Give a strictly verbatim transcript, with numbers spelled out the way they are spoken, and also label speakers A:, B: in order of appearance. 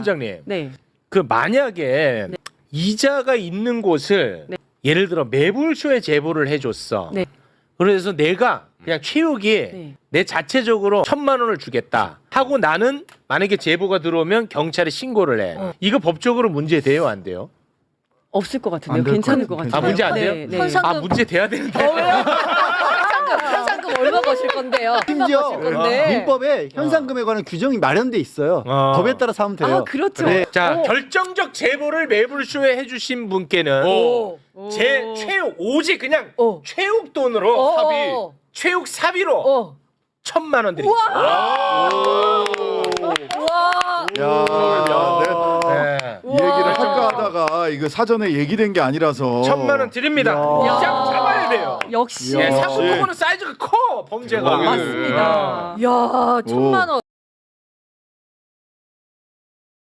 A: 원장님,
B: 네.
A: 그 만약에
B: 네.
A: 이자가 있는 곳을
B: 네.
A: 예를 들어 매불쇼에 제보를 해줬어.
B: 네.
A: 그래서 내가 그냥 최욱이
B: 네.
A: 내 자체적으로 천만 원을 주겠다 하고 나는 만약에 제보가 들어오면 경찰에 신고를 해.
B: 어.
A: 이거 법적으로 문제 돼요, 안 돼요?
B: 없을 것
C: 안
B: 같은데요.
C: 될
B: 괜찮을
C: 것
B: 것
C: 같아요.
B: 같아요.
A: 아, 문제 안 돼요?
B: 네, 네.
D: 현상-
A: 아, 문제 돼야 되는데.
D: 현상금, 현상금 얼마 버실 건데요? 얼마
C: 심지어
D: 버실 건데?
C: 민법에 현상금에 관한 규정이 마련돼 있어요.
A: 어.
C: 법에 따라 사면 돼요.
B: 아, 그렇죠.
C: 네.
A: 자,
B: 어.
A: 결정적 제보를 매불쇼에 해주신 분께는
D: 오.
A: 제
B: 오.
A: 최욱 오직 그냥
D: 오.
A: 최욱 돈으로
D: 어,
A: 사비
D: 어.
A: 최욱 사비로
D: 어.
A: 천만 원 드리겠습니다.
D: 와.
E: 야, 야, 내가
A: 네.
E: 이 얘기를 할까 하다가 이거 사전에 얘기된 게 아니라서
A: 천만 원 드립니다.
C: 야.
A: 이장 잡아야 돼요.
B: 역시.
A: 예,
E: 역시.
A: 사고 토고는 사이즈가 커 범죄가.
E: 대박이네.
B: 맞습니다.
D: 야, 천만 원.